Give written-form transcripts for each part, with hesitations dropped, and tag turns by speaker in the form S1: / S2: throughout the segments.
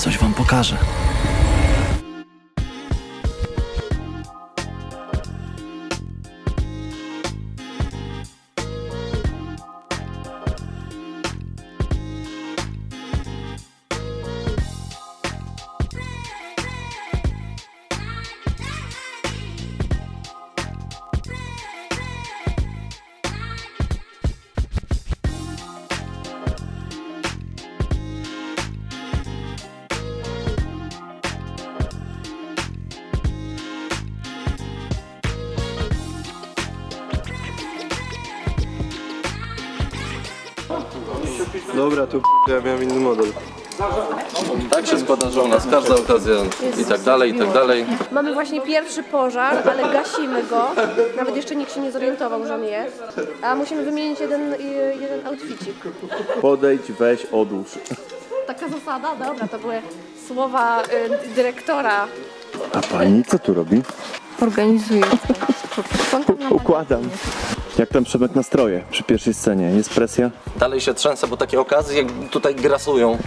S1: coś wam pokażę.
S2: Dobra, tu ja miałem inny model.
S1: Tak się składa, że u nas każda okazja i tak dalej, i tak dalej.
S3: Mamy właśnie pierwszy pożar, ale gasimy go. Nawet jeszcze nikt się nie zorientował, że on jest. A musimy wymienić jeden outficik.
S2: Podejdź, weź, odłóż.
S3: Taka zasada? Dobra, to były słowa dyrektora.
S2: A pani co tu robi?
S3: Organizuję.
S2: Układam. Jak tam Przemek nastroje przy pierwszej scenie? Jest presja?
S1: Dalej się trzęsę, bo takie okazje jak tutaj grasują.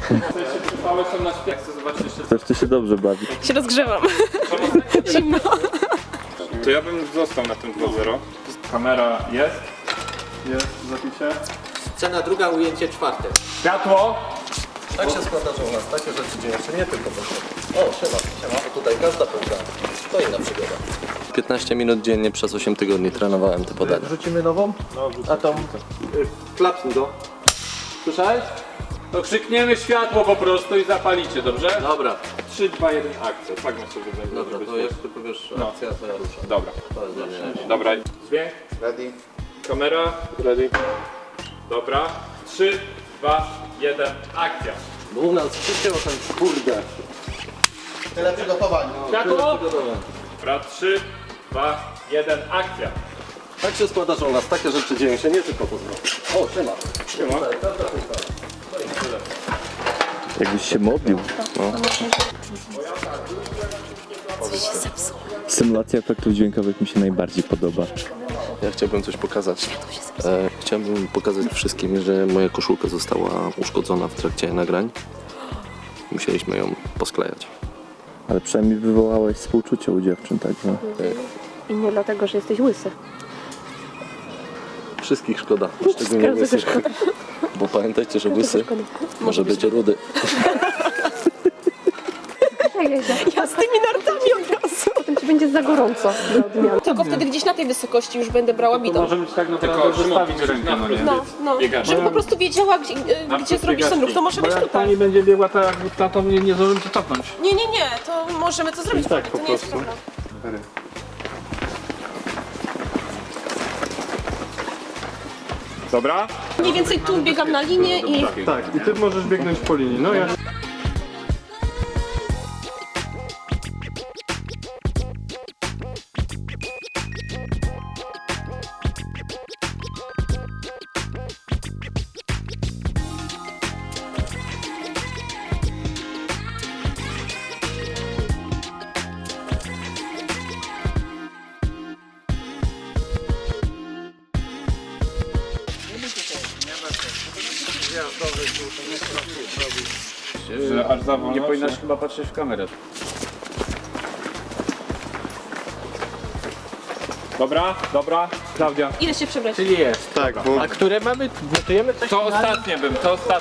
S2: Też ty się dobrze bawi.
S3: Się rozgrzewam. Zimno.
S4: To ja bym został na tym 2-0. Kamera jest. Jest w zapisie.
S5: Scena druga, ujęcie czwarte.
S4: Światło!
S1: Tak się składa, że u nas takie rzeczy dzieją się nie tylko po O, siema. Bo tutaj każda półka to inna przygoda. 15 minut dziennie przez 8 tygodni trenowałem te podania.
S5: Wrzucimy nową? A tą... klapnij go. Słyszałeś?
S4: To krzykniemy światło po prostu i zapalicie, dobrze?
S1: Dobra,
S4: 3, 2, 1, akcja. Tak my sobie będzie.
S1: dobra, to jak ty powiesz akcja, to ja ruszam.
S4: Dobra.
S1: To jest dla mnie.
S4: Dobra. Dźwięk.
S5: Ready.
S4: Kamera. Ready. Dobra. 3, 2, 1, akcja.
S1: Bo u nas wszystkiego ten kurde.
S5: Tyle przygotowań.
S4: Światło! Dobra, 3, 2, 1, akcja.
S1: Tak się składa, że u nas takie rzeczy dzieją się nie tylko po O, siema.
S4: Siema.
S2: Jakbyś się modlił. No. Symulacja efektów dźwiękowych mi się najbardziej podoba.
S1: Ja chciałbym coś pokazać. Chciałbym pokazać wszystkim, że moja koszulka została uszkodzona w trakcie nagrań. Musieliśmy ją posklejać.
S2: Ale przynajmniej wywołałeś współczucie u dziewczyn, także...
S3: I nie dlatego, że jesteś łysy.
S1: Wszystkich szkoda, szczególnie łysych. Bo pamiętajcie, że łysy może być rudy.
S3: Ja z tymi nartami od razu. Potem ci będzie za gorąco.
S6: Tylko wtedy gdzieś na tej wysokości już będę brała bitą.
S4: Może być tak naprawdę zostawić rękę, no nie?
S6: No,
S4: Biegasz.
S6: żebym po prostu wiedziała, gdzie zrobić ten ruch, to może być tutaj.
S4: Pani będzie biegła tak jak ta, to nie zdążymy cię cofnąć.
S6: Nie, to możemy to zrobić, to nie jest problem.
S4: Dobra?
S6: Mniej więcej tu biegam na linię i...
S4: Tak, i ty możesz biegnąć po linii. No ja... Że aż za wolno,
S7: Nie powinnaś chyba patrzeć w kamerę.
S4: Dobra, Klaudia.
S6: Idę się przebrać.
S5: Czyli jest.
S4: Tak, bo
S5: A które mamy? Notujemy coś?
S4: to ostatnie bym.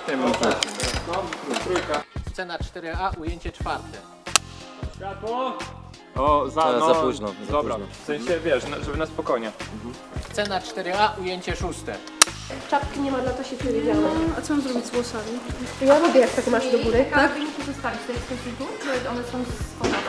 S5: Scena 4a, ujęcie czwarte.
S4: Światło! O,
S1: Za późno, za
S4: Dobra,
S1: późno.
S4: w sensie wiesz, żeby na spokojnie.
S5: Scena 4a, ujęcie szóste.
S3: Czapki nie ma, dla to się przewidziałam.
S6: A co mam zrobić z włosami?
S3: Ja lubię, jak tak masz do góry, tak?
S6: Wyniki zostawić, to jest tu, czy one są schowane?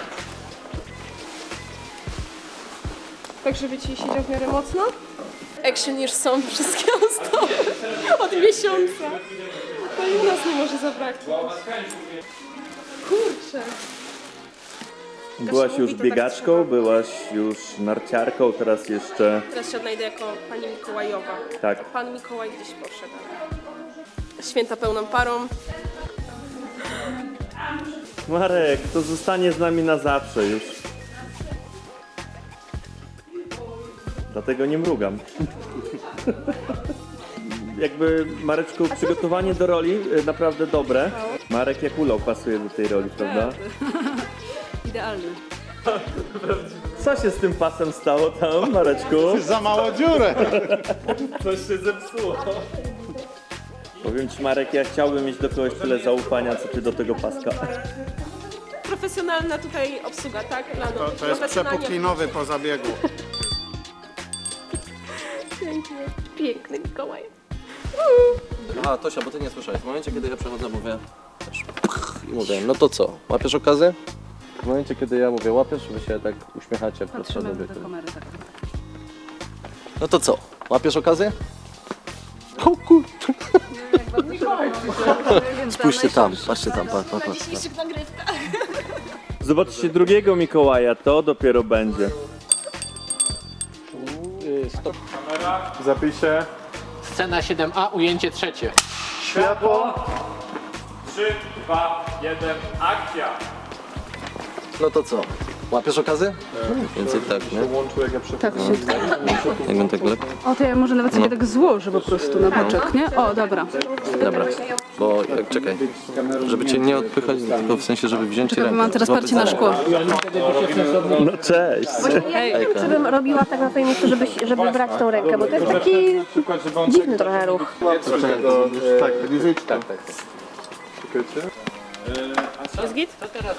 S3: Tak, żeby ci siedział w miarę mocno.
S6: Action już są wszystkie ozdoby od miesiąca. No i u nas nie może zabraknąć. Kurczę.
S2: Byłaś już
S3: mówi, to tak
S2: biegaczką,
S3: trzeba.
S2: byłaś już narciarką, teraz jeszcze...
S6: Teraz się odnajdę jako pani Mikołajowa.
S2: Tak.
S6: Pan Mikołaj gdzieś poszedł. Święta pełną parą.
S2: Marek, to zostanie z nami na zawsze już. Dlatego nie mrugam. Jakby, Mareczku, przygotowanie do roli naprawdę dobre. Marek jak ulał pasuje do tej roli, prawda?
S6: Idealny.
S2: Co się z tym pasem stało tam, Mareczku?
S5: Za małą dziurę.
S2: Coś się zepsuło. Powiem ci, Marek, ja chciałbym mieć do kogoś tyle zaufania, co ty do tego paska.
S6: Profesjonalna tutaj obsługa, tak? Lano.
S5: To jest
S6: Profesjonalnie-
S5: przepuklinowy po zabiegu.
S3: Piękny Mikołaj.
S1: Aha, Tosia, bo ty nie słyszałeś. W momencie, kiedy ja przechodzę, mówię też i mówię, no to co, łapiesz okazję? W momencie, kiedy ja mówię łapiesz, wy się tak uśmiechacie w prostsze do wieku. No to co, łapiesz okazję? O kur... Spójrzcie tam, patrzcie tam, patrz.
S6: Dzisiejszych nagrywkach.
S2: Zobaczcie drugiego Mikołaja, to dopiero będzie.
S4: Zapiszę.
S7: Scena 7a, ujęcie trzecie.
S4: Światło. 3, 2, 1, akcja.
S1: No to co, łapiesz okazję? Więcej tak, nie?
S6: Tak się...
S1: Jak on tak lepiej?
S6: O, to ja może nawet sobie tak złożę po prostu na boczek, nie? O, dobra.
S1: Dobra, bo czekaj, żeby cię nie odpychać, tylko w sensie, żeby wziąć
S6: Czekaj, bo mam teraz parcie na szkło.
S2: No cześć!
S3: Ja nie wiem, czy bym robiła tak na twoim miejscu, żeby brać tą rękę, bo to jest taki dziwny trochę ruch.
S6: Jest git?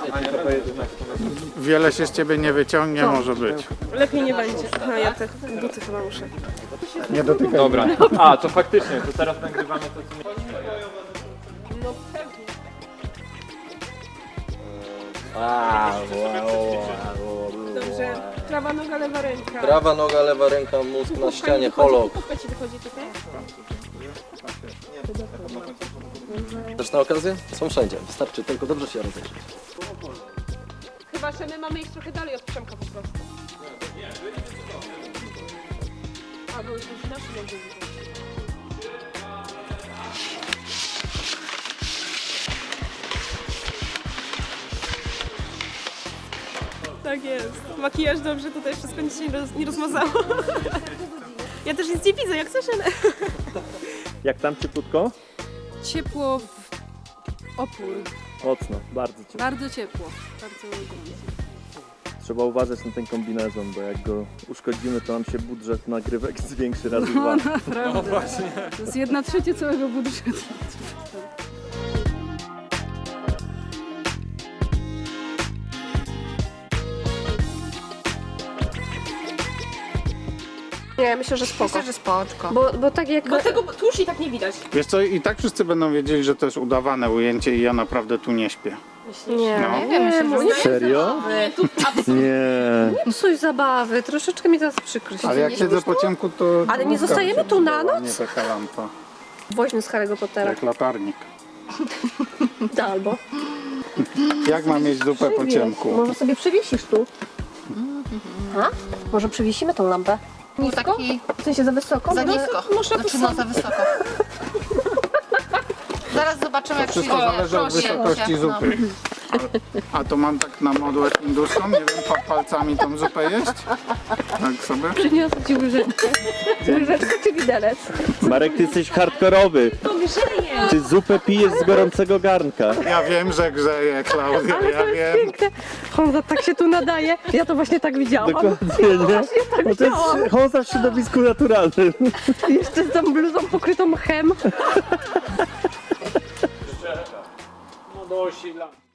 S5: Wiele się z ciebie nie wyciągnie, może być.
S6: Lepiej nie będzie. Aha, ja te buty chyba muszę.
S5: Nie dotykaj.
S4: Dobra. A, to faktycznie, to teraz nagrywamy to, co
S6: No pewnie. Dobrze. Prawa noga, lewa ręka.
S1: Prawa noga, lewa ręka, mózg na ścianie, holok.
S6: Kupka ci wychodzi tutaj?
S1: Też na okazję? Są wszędzie, wystarczy tylko dobrze się rozejrzeć.
S6: Chyba, że my mamy iść trochę dalej od Przemka po prostu. A, bo już nasz będzie widzieć. Tak jest. Makijaż dobrze, tutaj wszystko nic się nie rozmazało. Ja też nic nie widzę, jak coś, ale...
S2: Jak tam cieplutko?
S6: Ciepło w opór.
S2: Mocno, bardzo ciepło.
S6: Bardzo ciepło. Bardzo gorąco.
S2: Trzeba uważać na ten kombinezon, bo jak go uszkodzimy, to nam się budżet nagrywek zwiększy razy dwa.
S6: Naprawdę. To jest 1/3 całego budżetu.
S3: Nie, myślę, że spoko.
S8: Myślę, że spoczko.
S3: Bo tak jak...
S6: Bo tego tłuszcz i tak nie widać.
S5: Wiesz co, i tak wszyscy będą wiedzieli, że to jest udawane ujęcie i ja naprawdę tu nie śpię.
S3: Nie,
S5: No.
S8: Nie wiem, myślę, że
S3: nie
S2: Serio? Nie.
S3: psuj zabawy, troszeczkę mi teraz przykro się.
S5: Ale jak siedzę po ciemku, to...
S3: Ale nie zostajemy tu na noc?
S5: Nie taka lampa,
S3: Woźmy z Harry'ego Pottera.
S5: jak latarnik.
S3: Albo.
S5: Jak mam mieć zupę po ciemku?
S3: Może sobie przywiesisz tu. A? Może przywiesimy tą lampę?
S8: był
S3: Nisko?
S8: taki
S3: W sensie za wysoko?
S8: za
S3: No,
S8: nisko.
S3: Można tu
S8: Znaczy no za wysoko. Zaraz zobaczymy jak
S5: Wszystko
S8: przyjdzie.
S5: zależy od
S8: Proszę,
S5: wysokości
S8: no.
S5: zupy. A to mam tak na modłę hinduską? Nie wiem, palcami tą zupę jeść? Tak sobie?
S3: Przyniosę ci łyżeczkę. Łyżeczkę czy widelec?
S2: Marek, ty jesteś hardkorowy. Ty zupę pijesz z gorącego garnka.
S5: Ja wiem, że grzeje, Klaudia,
S3: Ale
S5: ja
S3: to jest
S5: wiem.
S3: piękne. Honza tak się tu nadaje. Ja to właśnie tak widziałam.
S2: Dokładnie, nie? Bo to jest Honza w środowisku naturalnym.
S3: Jeszcze z tą bluzą pokrytą mchem.
S4: no, dosi lamp.